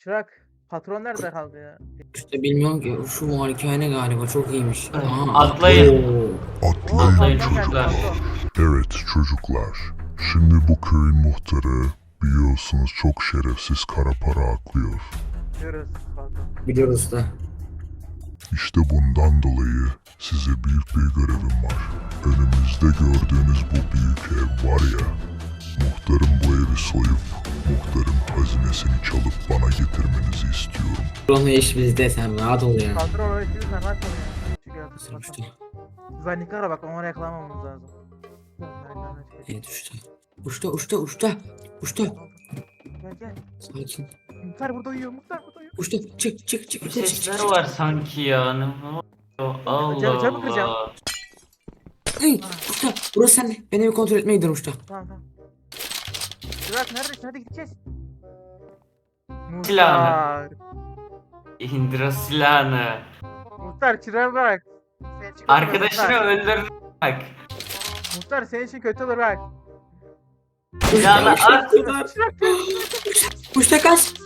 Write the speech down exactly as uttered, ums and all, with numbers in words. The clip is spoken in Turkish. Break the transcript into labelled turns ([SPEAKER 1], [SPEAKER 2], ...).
[SPEAKER 1] Çırak. Patron nerede kaldı ya?
[SPEAKER 2] İşte bilmiyorum ki şu malikane galiba çok iyiymiş. Aha,
[SPEAKER 3] Atlayın.
[SPEAKER 2] oo.
[SPEAKER 4] Atlayın
[SPEAKER 3] Atlayın
[SPEAKER 4] çocuklar.
[SPEAKER 3] çocuklar.
[SPEAKER 4] Evet çocuklar. Şimdi bu köyün muhtarı biliyorsunuz çok şerefsiz kara para aklıyor.
[SPEAKER 1] Diyoruz patron.
[SPEAKER 2] Biliyoruz da.
[SPEAKER 4] İşte bundan dolayı size büyük bir görevim var. Önümüzde gördüğünüz bu büyük ev var ya. Muhtarım bu evi soyup muhtarın hazinesini çalıp bana getirmenizi istiyorum.
[SPEAKER 2] Buranın iş bizde, sen rahat ol ya.
[SPEAKER 1] Patron öyle değil sen rahat ol ya. Çünkü
[SPEAKER 2] Sırmıştı.
[SPEAKER 1] Zanikara bak onu yakalamamamız lazım.
[SPEAKER 2] Evet uçta. Uçta uçta uçta. Uçta.
[SPEAKER 1] Gel gel.
[SPEAKER 2] Sakin.
[SPEAKER 1] Muhtar burada uyuyor. Muhtar burada uyuyor.
[SPEAKER 2] Uçta çık çık çık.
[SPEAKER 3] Bir
[SPEAKER 2] çık, çık,
[SPEAKER 3] sesler
[SPEAKER 2] çık.
[SPEAKER 3] var sanki ya. Ne oluyor? Allah
[SPEAKER 1] Camı- camı kıracağım.
[SPEAKER 3] Allah.
[SPEAKER 2] Ay, uçta burası sende. Ben evi kontrol etmeye gidiyorum uçta.
[SPEAKER 1] Tamam tamam. Çırak neredesin? Hadi gideceğiz.
[SPEAKER 3] Silahını.
[SPEAKER 1] Muhtar.
[SPEAKER 3] İndir o silahını.
[SPEAKER 1] Muhtar çırağa bak. Senin için kötü olur,
[SPEAKER 3] Arkadaşını
[SPEAKER 1] Muhtar.
[SPEAKER 3] öldür. Bak.
[SPEAKER 1] Muhtar senin için kötü olur bak.
[SPEAKER 3] Silahını
[SPEAKER 2] Uçta,
[SPEAKER 3] at.
[SPEAKER 2] uçta, uçta kaç.